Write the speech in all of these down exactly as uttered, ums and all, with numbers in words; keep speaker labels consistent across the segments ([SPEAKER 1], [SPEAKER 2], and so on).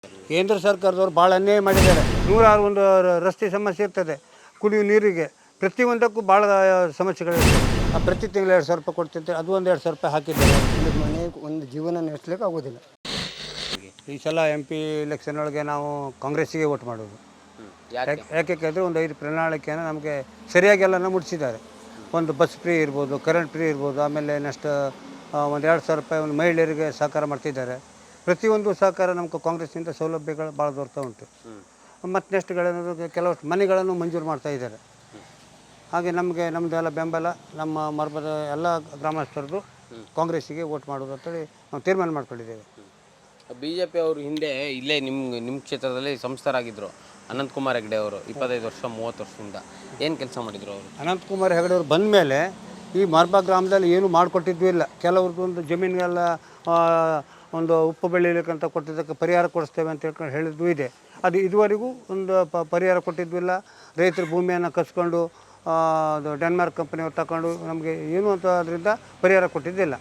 [SPEAKER 1] ಕೇಂದ್ರ ಸರ್ಕಾರದವರು ಭಾಳ ಅನ್ಯಾಯ ಮಾಡಿದ್ದಾರೆ. ನೂರಾರು ಒಂದು ರಸ್ತೆ ಸಮಸ್ಯೆ ಇರ್ತದೆ, ಕುಡಿಯುವ ನೀರಿಗೆ ಪ್ರತಿಯೊಂದಕ್ಕೂ ಭಾಳ ಸಮಸ್ಯೆಗಳಿರ್ತದೆ. ಆ ಪ್ರತಿ ತಿಂಗಳು ಎರಡು ಸಾವಿರ ರೂಪಾಯಿ ಕೊಡ್ತಿರ್ತಾರೆ, ಅದು ಒಂದು ಎರಡು ಸಾವಿರ ರೂಪಾಯಿ ಹಾಕಿದ್ದಾರೆ.
[SPEAKER 2] ಒಂದು ಮನೆ ಒಂದು ಜೀವನ ನಡೆಸ್ಲಿಕ್ಕೆ ಆಗೋದಿಲ್ಲ.
[SPEAKER 1] ಈ ಸಲ ಎಂ ಪಿ ಎಲೆಕ್ಷನ್ ಒಳಗೆ ನಾವು ಕಾಂಗ್ರೆಸ್ಸಿಗೆ ವೋಟ್ ಮಾಡೋದು. ಯಾಕೆ ಯಾಕೆ ಕೇಳಿದ್ರೆ ಒಂದು ಐದು ಪ್ರಣಾಳಿಕೆಯನ್ನು ನಮಗೆ ಸರಿಯಾಗಿ ಎಲ್ಲನ ಮುಟ್ಟಿಸಿದ್ದಾರೆ. ಒಂದು ಬಸ್ ಫ್ರೀ ಇರ್ಬೋದು, ಕರೆಂಟ್ ಫ್ರೀ ಇರ್ಬೋದು, ಆಮೇಲೆ ನೆಕ್ಸ್ಟ್ ಒಂದು ಎರಡು ಸಾವಿರ ರೂಪಾಯಿ ಒಂದು ಮಹಿಳೆಯರಿಗೆ ಸಹಕಾರ ಮಾಡ್ತಿದ್ದಾರೆ. ಪ್ರತಿಯೊಂದು ಸಹಕಾರ ನಮ್ಗೆ ಕಾಂಗ್ರೆಸ್ನಿಂದ ಸೌಲಭ್ಯಗಳು ಭಾಳ ದೊರೆತಾ ಉಂಟು. ಮತ್ತು ನೆಕ್ಸ್ಟ್ಗಳೇನಾದರೂ ಕೆಲವಷ್ಟು ಮನೆಗಳನ್ನು ಮಂಜೂರು ಮಾಡ್ತಾ ಇದ್ದಾರೆ. ಹಾಗೆ ನಮಗೆ ನಮ್ಮದೆಲ್ಲ ಬೆಂಬಲ ನಮ್ಮ ಮರ್ಬದ ಎಲ್ಲ ಗ್ರಾಮಸ್ಥರದ್ದು ಕಾಂಗ್ರೆಸ್ಸಿಗೆ ವೋಟ್ ಮಾಡೋದು ಅಂತೇಳಿ ನಾವು ತೀರ್ಮಾನ ಮಾಡ್ಕೊಂಡಿದ್ದೇವೆ.
[SPEAKER 3] ಬಿ ಜೆ ಪಿ ಅವರು ಹಿಂದೆ ಇಲ್ಲೇ ನಿಮ್ಮ ನಿಮ್ಮ ಕ್ಷೇತ್ರದಲ್ಲಿ ಸಂಸ್ಥರಾಗಿದ್ದರು ಅನಂತಕುಮಾರ್ ಹೆಗಡೆ ಅವರು. ಇಪ್ಪತ್ತೈದು ವರ್ಷ ಮೂವತ್ತು ವರ್ಷದಿಂದ ಏನು ಕೆಲಸ ಮಾಡಿದರು ಅವರು?
[SPEAKER 1] ಅನಂತಕುಮಾರ್ ಹೆಗಡೆ ಅವರು ಬಂದ ಮೇಲೆ ಈ ಮರ್ಬಾ ಗ್ರಾಮದಲ್ಲಿ ಏನೂ ಮಾಡಿಕೊಟ್ಟಿದ್ದು ಇಲ್ಲ. ಕೆಲವ್ರದ್ದು ಒಂದು ಜಮೀನಿಗೆಲ್ಲ ಒಂದು ಉಪ್ಪು ಬೆಳೀಲಿಕ್ಕಂತ ಕೊಟ್ಟಿದ್ದಕ್ಕೆ ಪರಿಹಾರ ಕೊಡಿಸ್ತೇವೆ ಅಂತ ಹೇಳ್ಕೊಂಡು ಹೇಳಿದ್ದು ಇದೆ. ಅದು ಇದುವರೆಗೂ ಒಂದು ಪ ಪರಿಹಾರ ಕೊಟ್ಟಿದ್ವಿಲ್ಲ. ರೈತರ ಭೂಮಿಯನ್ನು ಕಸ್ಕೊಂಡು ಅದು ಡೆನ್ಮಾರ್ಕ್ ಕಂಪ್ನಿಯವ್ರು ತಗೊಂಡು ನಮಗೆ ಏನು ಅಂತ ಅದರಿಂದ ಪರಿಹಾರ ಕೊಟ್ಟಿದ್ದಿಲ್ಲ.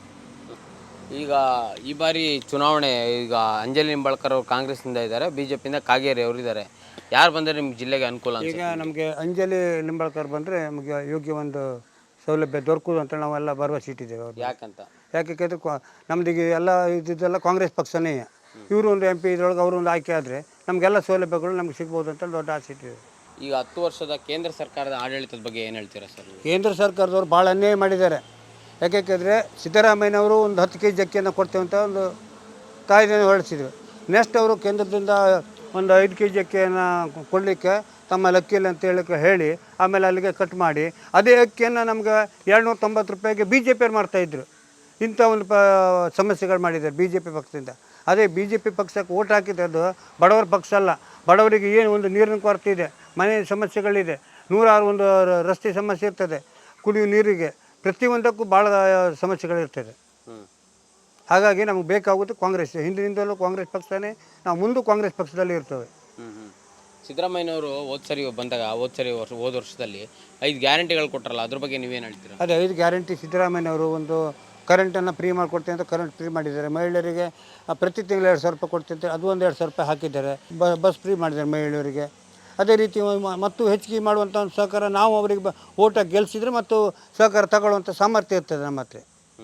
[SPEAKER 3] ಈಗ ಈ ಬಾರಿ ಚುನಾವಣೆ ಈಗ ಅಂಜಲಿ ನಿಂಬಾಳ್ಕರ್ ಅವರು ಕಾಂಗ್ರೆಸ್ನಿಂದ ಇದ್ದಾರೆ, ಬಿ ಜೆ ಪಿಯಿಂದ ಕಾಗೇರಿ ಅವರು ಇದ್ದಾರೆ. ಯಾರು ಬಂದರೆ ನಿಮ್ಮ ಜಿಲ್ಲೆಗೆ ಅನುಕೂಲ?
[SPEAKER 1] ಈಗ ನಮಗೆ ಅಂಜಲಿ ನಿಂಬಾಳ್ಕರ್ ಬಂದರೆ ನಮಗೆ ಯೋಗ್ಯ ಒಂದು ಸೌಲಭ್ಯ ದೊರಕುದು ಅಂತ ನಾವೆಲ್ಲ ಭರವಸೆ ಇಟ್ಟಿದ್ದೇವೆ. ಅವ್ರು
[SPEAKER 3] ಯಾಕಂತ
[SPEAKER 1] ಯಾಕೆ ಕೇಳಿದ್ರೆ ನಮ್ದಿಗೆ ಎಲ್ಲ ಇದ್ದಿದ್ದೆಲ್ಲ ಕಾಂಗ್ರೆಸ್ ಪಕ್ಷನೇ. ಇವರು ಒಂದು ಎಂ ಪಿ ಇದ್ರೊಳಗೆ ಅವರು ಒಂದು ಆಯ್ಕೆ ಆದರೆ ನಮಗೆಲ್ಲ ಸೌಲಭ್ಯಗಳು ನಮ್ಗೆ ಸಿಗ್ಬೋದು ಅಂತ ದೊಡ್ಡ ಆಸೆ ಇಟ್ಟಿದ್ದೇವೆ.
[SPEAKER 3] ಈಗ ಹತ್ತು ವರ್ಷದ ಕೇಂದ್ರ ಸರ್ಕಾರದ ಆಡಳಿತದ ಬಗ್ಗೆ ಏನು ಹೇಳ್ತೀರಾ ಸರ್?
[SPEAKER 1] ಕೇಂದ್ರ ಸರ್ಕಾರದವರು ಭಾಳ ಅನ್ಯಾಯ ಮಾಡಿದ್ದಾರೆ. ಯಾಕೆ ಕೇಳಿದ್ರೆ ಸಿದ್ದರಾಮಯ್ಯನವರು ಒಂದು ಹತ್ತು ಕೆ ಜಿ ಅಕ್ಕಿಯನ್ನು ಕೊಡ್ತೇವೆ ಅಂತ ಒಂದು ಕಾಯ್ದೆಯನ್ನು ಹೊರಡಿಸಿದ್ರು. ನೆಕ್ಸ್ಟ್ ಅವರು ಕೇಂದ್ರದಿಂದ ಒಂದು ಐದು ಕೆ ಜಿ ಅಕ್ಕಿಯನ್ನು ಕೊಡಲಿಕ್ಕೆ ತಮ್ಮ ಅಕ್ಕಿಯಲ್ಲಿ ಅಂತ ಹೇಳಕ್ಕೆ ಹೇಳಿ ಆಮೇಲೆ ಅಲ್ಲಿಗೆ ಕಟ್ ಮಾಡಿ ಅದೇ ಅಕ್ಕಿಯನ್ನು ನಮ್ಗೆ ಏಳ್ನೂರ ತೊಂಬತ್ತು ರೂಪಾಯಿಗೆ ಬಿ ಜೆ ಪಿಯವ್ರು ಮಾಡ್ತಾಯಿದ್ರು. ಇಂಥ ಒಂದು ಪ ಸಮಸ್ಯೆಗಳು ಮಾಡಿದ್ದಾರೆ ಬಿ ಜೆ ಪಿ ಪಕ್ಷದಿಂದ. ಅದೇ ಬಿ ಜೆ ಪಿ ಪಕ್ಷಕ್ಕೆ ಓಟ್ ಹಾಕಿದ್ದು ಬಡವರ ಪಕ್ಷ ಅಲ್ಲ. ಬಡವರಿಗೆ ಏನು ಒಂದು ನೀರಿನ ಕೊರತೆ ಇದೆ, ಮನೆ ಸಮಸ್ಯೆಗಳಿದೆ, ನೂರಾರು ಒಂದು ರಸ್ತೆ ಸಮಸ್ಯೆ ಇರ್ತದೆ, ಕುಡಿಯುವ ನೀರಿಗೆ ಪ್ರತಿಯೊಂದಕ್ಕೂ ಭಾಳ ಸಮಸ್ಯೆಗಳಿರ್ತದೆ. ಹಾಗಾಗಿ ನಮಗೆ ಬೇಕಾಗುತ್ತೆ ಕಾಂಗ್ರೆಸ್. ಹಿಂದಿನಿಂದಲೂ ಕಾಂಗ್ರೆಸ್ ಪಕ್ಷನೇ, ನಾವು ಮುಂದೆ ಕಾಂಗ್ರೆಸ್ ಪಕ್ಷದಲ್ಲಿ ಇರ್ತೇವೆ.
[SPEAKER 3] ಸಿದ್ದರಾಮಯ್ಯನವರು ಹೋದ ಸರಿ ಬಂದಾಗ ಹೋದ ಸರಿ ವರ್ಷ ಹೋದ ವರ್ಷದಲ್ಲಿ ಐದು ಗ್ಯಾರಂಟಿಗಳು ಕೊಟ್ಟರಲ್ಲ, ಅದ್ರ ಬಗ್ಗೆ ನೀವೇನು ಹೇಳ್ತೀರಾ?
[SPEAKER 1] ಅದೇ ಐದು ಗ್ಯಾರಂಟಿ ಸಿದ್ದರಾಮಯ್ಯನವರು ಒಂದು ಕರೆಂಟನ್ನು ಫ್ರೀ ಮಾಡಿಕೊಡ್ತೀನಿ ಅಂತ ಕರೆಂಟ್ ಫ್ರೀ ಮಾಡಿದ್ದಾರೆ. ಮಹಿಳೆಯರಿಗೆ ಪ್ರತಿ ತಿಂಗಳು ಎರಡು ಸಾವಿರ ರೂಪಾಯಿ ಕೊಡ್ತಿಂತೆ, ಅದು ಒಂದು ಎರಡು ಸಾವಿರ ರೂಪಾಯಿ ಹಾಕಿದ್ದಾರೆ. ಬಸ್ ಫ್ರೀ ಮಾಡಿದ್ದಾರೆ ಮಹಿಳೆಯರಿಗೆ. ಅದೇ ರೀತಿ ಮತ್ತು ಹೆಚ್ಚಿಗೆ ಮಾಡುವಂಥ ಒಂದು ಸಹಕಾರ ನಾವು ಅವರಿಗೆ ಬ ಓಟಾಗಿ ಗೆಲ್ಲಿಸಿದ್ರೆ ಮತ್ತು ಸಹಕಾರ ತಗೊಳ್ಳುವಂಥ ಸಾಮರ್ಥ್ಯ ಇರ್ತದೆ ನಮ್ಮ ಹತ್ರ.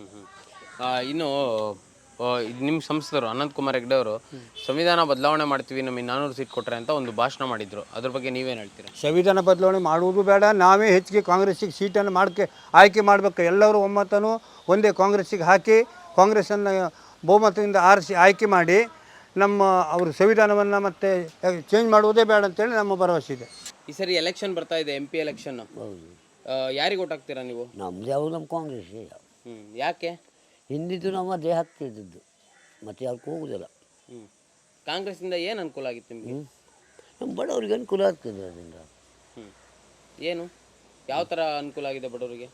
[SPEAKER 3] ಇನ್ನು ನಿಮ್ಮ ಸಂಸದರು ಅನಂತಕುಮಾರ್ ಹೆಗಡೆ ಅವರು ಸಂವಿಧಾನ ಬದಲಾವಣೆ ಮಾಡ್ತೀವಿ, ನಮಗೆ ನಾನ್ನೂರು ಸೀಟ್ ಕೊಟ್ಟರೆ ಅಂತ ಒಂದು ಭಾಷಣ ಮಾಡಿದರು. ಅದ್ರ ಬಗ್ಗೆ ನೀವೇನು ಹೇಳ್ತೀರಾ?
[SPEAKER 1] ಸಂವಿಧಾನ ಬದಲಾವಣೆ ಮಾಡುವುದು ಬೇಡ, ನಾವೇ ಹೆಚ್ಚಿಗೆ ಕಾಂಗ್ರೆಸ್ಸಿಗೆ ಸೀಟನ್ನು ಮಾಡ್ಕೆ ಆಯ್ಕೆ ಮಾಡಬೇಕು. ಎಲ್ಲರೂ ಒಮ್ಮತನೂ ಒಂದೇ ಕಾಂಗ್ರೆಸ್ಸಿಗೆ ಹಾಕಿ ಕಾಂಗ್ರೆಸ್ಸನ್ನು ಬಹುಮತದಿಂದ ಆರಿಸಿ ಆಯ್ಕೆ ಮಾಡಿ ನಮ್ಮ ಅವರು ಸಂವಿಧಾನವನ್ನು ಮತ್ತೆ ಚೇಂಜ್ ಮಾಡುವುದೇ ಬೇಡ ಅಂತೇಳಿ ನಮ್ಮ ಭರವಸೆ ಇದೆ.
[SPEAKER 3] ಈ ಸರಿ ಎಲೆಕ್ಷನ್ ಬರ್ತಾ ಇದೆ, ಎಂ ಪಿ ಎಲೆಕ್ಷನ್. ಯಾರಿಗೆ ಓಟ್ ಹಾಕ್ತೀರಾ ನೀವು?
[SPEAKER 4] ನಮ್ದು ಯಾವ ನಮ್ಮ ಕಾಂಗ್ರೆಸ್.
[SPEAKER 3] ಹ್ಞೂ ಯಾಕೆ?
[SPEAKER 4] ಹಿಂದಿದ್ದು ನಾವು ಅದೇ ಹಾಕ್ತಿದ್ದದ್ದು, ಮತ್ತು ಯಾವ್ದಕ್ಕೂ ಹೋಗೋದಿಲ್ಲ.
[SPEAKER 3] ಹ್ಞೂ ಕಾಂಗ್ರೆಸ್ಸಿಂದ ಏನು ಅನುಕೂಲ ಆಗಿತ್ತು ನಿಮಗೆ?
[SPEAKER 4] ನಮ್ಮ ಬಡವರಿಗೆ ಅನುಕೂಲ ಆಗ್ತದೆ ಅದರಿಂದ.
[SPEAKER 3] ಹ್ಞೂ ಏನು ಯಾವ ಥರ ಅನುಕೂಲ ಆಗಿದೆ ಬಡವರಿಗೆ?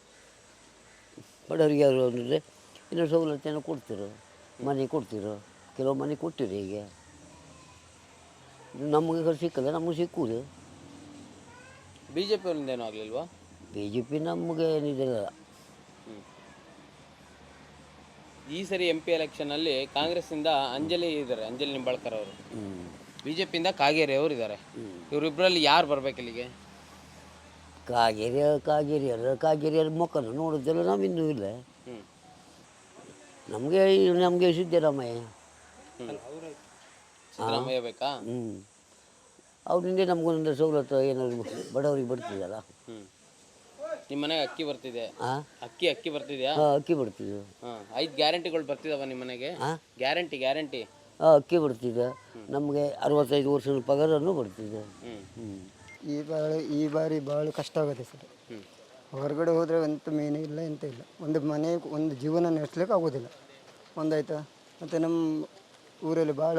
[SPEAKER 4] ಬಡವರಿಗೆ ಯಾರು ಅಂದರೆ ಇನ್ನೂ ಸವಲತ್ತನ್ನು ಕೊಡ್ತಿರೋ, ಮನೆ ಕೊಡ್ತಿರೋ, ಕೆಲವು ಮನೆ ಕೊಟ್ಟಿರೋ. ಹೀಗೆ ನಮಗೆ ಸಿಕ್ಕಲ್ಲ, ನಮಗೆ ಸಿಕ್ಕುವುದು.
[SPEAKER 3] ಬಿ ಜೆ ಪಿ ಅವರಿಂದ ಏನೂ ಆಗಲಿಲ್ವಾ?
[SPEAKER 4] ಬಿ ಜೆ ಪಿ ನಮಗೆ ಏನಿದಿಲ್ಲ.
[SPEAKER 3] ಹ್ಞೂ ಈ ಸರಿ ಎಂ ಪಿ ಎಲೆಕ್ಷನಲ್ಲಿ ಕಾಂಗ್ರೆಸ್ಸಿಂದ ಅಂಜಲಿ ಇದ್ದಾರೆ, ಅಂಜಲಿ ನಿಂಬಾಳ್ಕರ್ ಅವರು. ಬಿ ಜೆ ಪಿಯಿಂದ ಕಾಗೇರಿ ಅವರು ಇದ್ದಾರೆ. ಇವರಿಬ್ಬರಲ್ಲಿ ಯಾರು ಬರ್ಬೇಕು ಇಲ್ಲಿಗೆ?
[SPEAKER 4] ಕಾಗೇರಿ ಕಾಗೇರಿಯರು ಕಾಗೇರಿಯರ ಮುಖನ ನೋಡೋದಿಲ್ಲ ನಾವು ಇನ್ನೂ ಇಲ್ಲ.
[SPEAKER 3] ಹ್ಞೂ
[SPEAKER 4] ನಮಗೆ ನಮಗೆ ಸಿದ್ದರಾಮಯ್ಯ
[SPEAKER 3] ಸಿದ್ದರಾಮಯ್ಯ ಬೇಕಾ?
[SPEAKER 4] ಹ್ಞೂ ಅವರಿಂದ ನಮಗೊಂದು ಸವಲತ್ತು ಏನಾದ್ರು ಬಡವರಿಗೆ ಬರ್ತಿದಲ್ಲ.
[SPEAKER 3] ಹ್ಞೂ ನಿಮ್ಮ ಮನೆಗೆ ಅಕ್ಕಿ ಬರ್ತಿದೆ?
[SPEAKER 4] ಹಾಂ
[SPEAKER 3] ಅಕ್ಕಿ ಅಕ್ಕಿ ಬರ್ತಿದೆಯಾ?
[SPEAKER 4] ಹಾಂ ಅಕ್ಕಿ ಬರ್ತಿದೆ.
[SPEAKER 3] ಹಾಂ ಐದು ಗ್ಯಾರಂಟಿಗಳು ಬರ್ತಿದಾವ ನಿಮ್ಮ ಮನೆಗೆ?
[SPEAKER 4] ಹಾಂ
[SPEAKER 3] ಗ್ಯಾರಂಟಿ ಗ್ಯಾರಂಟಿ
[SPEAKER 4] ಹಾಂ ಅಕ್ಕಿ ಬರ್ತಿದೆ. ನಮಗೆ ಅರವತ್ತೈದು ವರ್ಷದ ಪಗಾರನೂ ಬರ್ತಿದೆ.
[SPEAKER 3] ಹ್ಞೂ
[SPEAKER 4] ಹ್ಞೂ
[SPEAKER 2] ಈ ಬಾರಿ ಈ ಬಾರಿ ಭಾಳ ಕಷ್ಟ ಆಗುತ್ತೆ ಸರ್. ಹೊರಗಡೆ ಹೋದರೆ ಎಂಥ ಮೇನೇ ಇಲ್ಲ, ಎಂತ ಇಲ್ಲ. ಒಂದು ಮನೆ ಒಂದು ಜೀವನ ನಡೆಸ್ಲಿಕ್ಕೆ ಆಗೋದಿಲ್ಲ. ಒಂದಾಯ್ತಾ. ಮತ್ತು ನಮ್ಮ ಊರಲ್ಲಿ ಭಾಳ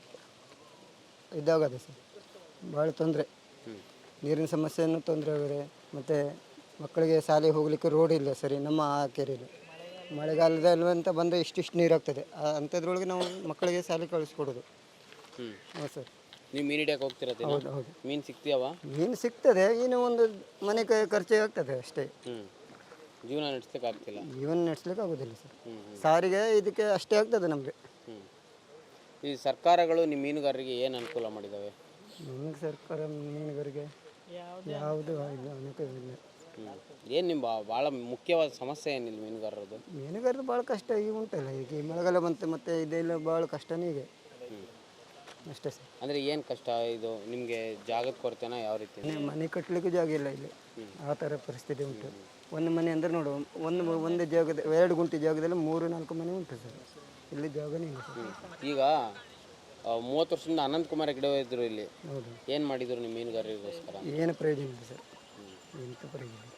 [SPEAKER 2] ಇದಾಗದೆ ಸರ್, ಭಾಳ ತೊಂದರೆ. ನೀರಿನ ಸಮಸ್ಯೆಯನ್ನು ತೊಂದರೆ ಆಗಿದೆ. ಮತ್ತು ಮಕ್ಕಳಿಗೆ ಶಾಲೆಗೆ ಹೋಗಲಿಕ್ಕೆ ರೋಡ್ ಇಲ್ಲ ಸರಿ ನಮ್ಮ ಆ ಕೆರೆಯಲ್ಲಿ. ಮಳೆಗಾಲದಲ್ಲಿ ಅಂತ ಬಂದರೆ ಇಷ್ಟಿಷ್ಟು ನೀರಾಗ್ತದೆ. ಅಂಥದ್ರೊಳಗೆ ನಾವು ಮಕ್ಕಳಿಗೆ ಶಾಲೆ ಕಳಿಸ್ಕೊಡೋದು.
[SPEAKER 3] ಹ್ಞೂ
[SPEAKER 2] ಹಾಂ ಸರ್.
[SPEAKER 3] ನೀವು ಮೀನು ಹಿಡಿಯಕ್ಕೆ ಹೋಗ್ತಿರ?
[SPEAKER 2] ಹೌದು ಹೌದು.
[SPEAKER 3] ಮೀನು ಸಿಗ್ತೀಯವ?
[SPEAKER 2] ಮೀನು ಸಿಗ್ತದೆ, ಇನ್ನು ಒಂದು ಮನೆ ಕೈ ಖರ್ಚಿಗೆ ಆಗ್ತದೆ ಅಷ್ಟೇ.
[SPEAKER 3] ಹ್ಞೂ ಜೀವನ ನಡೆಸ್ಲಿಕ್ಕೆ ಆಗ್ತಿಲ್ಲ.
[SPEAKER 2] ಜೀವನ ನಡೆಸ್ಲಿಕ್ಕೆ ಆಗೋದಿಲ್ಲ ಸರ್. ಸಾರಿಗೆ ಇದಕ್ಕೆ ಅಷ್ಟೇ ಆಗ್ತದೆ ನಮಗೆ.
[SPEAKER 3] ಹ್ಞೂ ಈ ಸರ್ಕಾರಗಳು ನಿಮ್ಮ ಮೀನುಗಾರರಿಗೆ ಏನು ಅನುಕೂಲ ಮಾಡಿದ್ದಾವೆ?
[SPEAKER 2] ನಮಗೆ ಸರ್ಕಾರ ಮೀನುಗಾರಿಗೆ ಯಾವುದು ಇದು ಅನುಕೂಲ ಇಲ್ಲ.
[SPEAKER 3] ಏನು ನಿಮ್ಮ ಭಾಳ ಮುಖ್ಯವಾದ ಸಮಸ್ಯೆ ಏನಿಲ್ಲ ಮೀನುಗಾರರದು?
[SPEAKER 2] ಮೀನುಗಾರರು ಭಾಳ ಕಷ್ಟ ಈಗ ಉಂಟಲ್ಲ, ಈಗ ಈ ಮಳೆಗಾಲ ಬಂತು ಮತ್ತು ಇದೆಲ್ಲ ಭಾಳ ಕಷ್ಟನೇ ಈಗ ಅಷ್ಟೇ ಸರ್.
[SPEAKER 3] ಅಂದರೆ ಏನು ಕಷ್ಟ ಇದು ನಿಮಗೆ? ಜಾಗದ ಕೊರತೆನಾ ಯಾವ ರೀತಿ?
[SPEAKER 2] ಮನೆ ಮನೆ ಕಟ್ಟಲಿಕ್ಕೂ ಜಾಗ ಇಲ್ಲ ಇಲ್ಲಿ, ಆ ಥರ ಪರಿಸ್ಥಿತಿ ಉಂಟು. ಒಂದು ಮನೆ ಅಂದರೆ ನೋಡು, ಒಂದು ಒಂದು ಜಾಗದ ಎರಡು ಗುಂಟೆ ಜಾಗದಲ್ಲಿ ಮೂರು ನಾಲ್ಕು ಮನೆ ಉಂಟು ಸರ್, ಇಲ್ಲಿ ಜಾಗನೇ ಇಲ್ಲ ಸರ್.
[SPEAKER 3] ಈಗ ಆ, ಮೂವತ್ತು ವರ್ಷದಿಂದ ಅನಂತಕುಮಾರ್ ಹೆಗಡೆ ಇದ್ರು ಇಲ್ಲಿ,
[SPEAKER 2] ಹೌದು.
[SPEAKER 3] ಏನು ಮಾಡಿದ್ರು ನಿಮ್ಮ ಮೀನುಗಾರರಿಗೋಸ್ಕರ?
[SPEAKER 2] ಏನು ಪ್ರಯೋಜನ ಇಲ್ಲ ಸರ್, ಎಂಥ ಪ್ರಯೋಜನ ಇಲ್ಲ.